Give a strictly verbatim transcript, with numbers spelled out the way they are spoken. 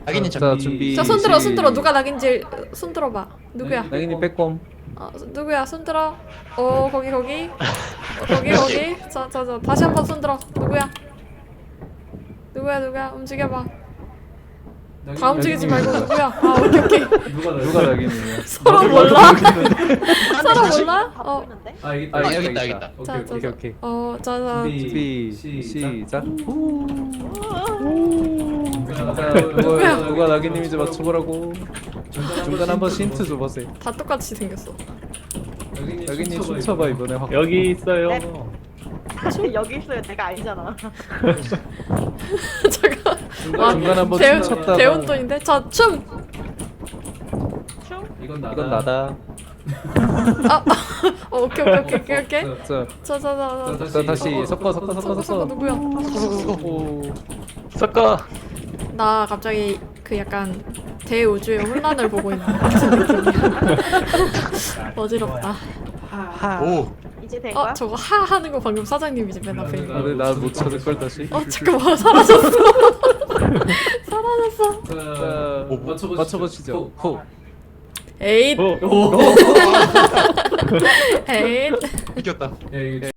낙인이 자, 정비. 준비. 자 손들어 시- 손들어 누가 낙인지 손 들어봐. 누구야? 낙인이 빼꼼. 어 누구야? 손 들어. 어 거기 거기. 어, 거기 거기. 자자자 다시 한번 손 들어. 누구야? 누구야 누구야? 움직여봐. 다 움직이지 말고 누구야? 아 오케이 오케이. 누가 나 누가 낙인이냐? 서로 몰라? 서로 몰라? 어. 아 여기 아, 있다. 여기 있다, 여기 있다. 오케이 자, 오케이. 자, 오케이, 자. 오케이. 어, 자자. 준비 시작. 시작. 자, 자, 누가 누가 낙인님인지 맞춰보라고. 중간 한번 힌트 줘보세요. 다 똑같이 생겼어. 낙인님 춤춰봐 이번에 확. 여기 있어요. 여기 있어요. 내가 아니잖아. 잠깐. 중간 중간 한번 대운 춤췄다가. 대운돈인데. 자 춤. 춤? 이건 나다. 이건 나다. 아. 어, 오케이 오케이 오케이 오케이 오케이. 자, 자자자. 자 다시 섞어 섞어 섞어 서고 서고 섞어. 누구야? 오. 섞어. 나 갑자기 그 약간 대우주의 혼란을 보고 있는 것 같은 느낌이야. 어지럽다. 오. 이제 된 거야? 어 저거 하 하는 거 방금 사장님이지 맨 앞에. 있는 거. 아, 근데 나못 찾을 걸 다시. 어 잠깐만 사라졌어. 사라졌어. 자, 오, 맞춰보시죠. 맞춰보시죠. 호. 에잇 오. 오. 에잇. 이겼다. 야, 이거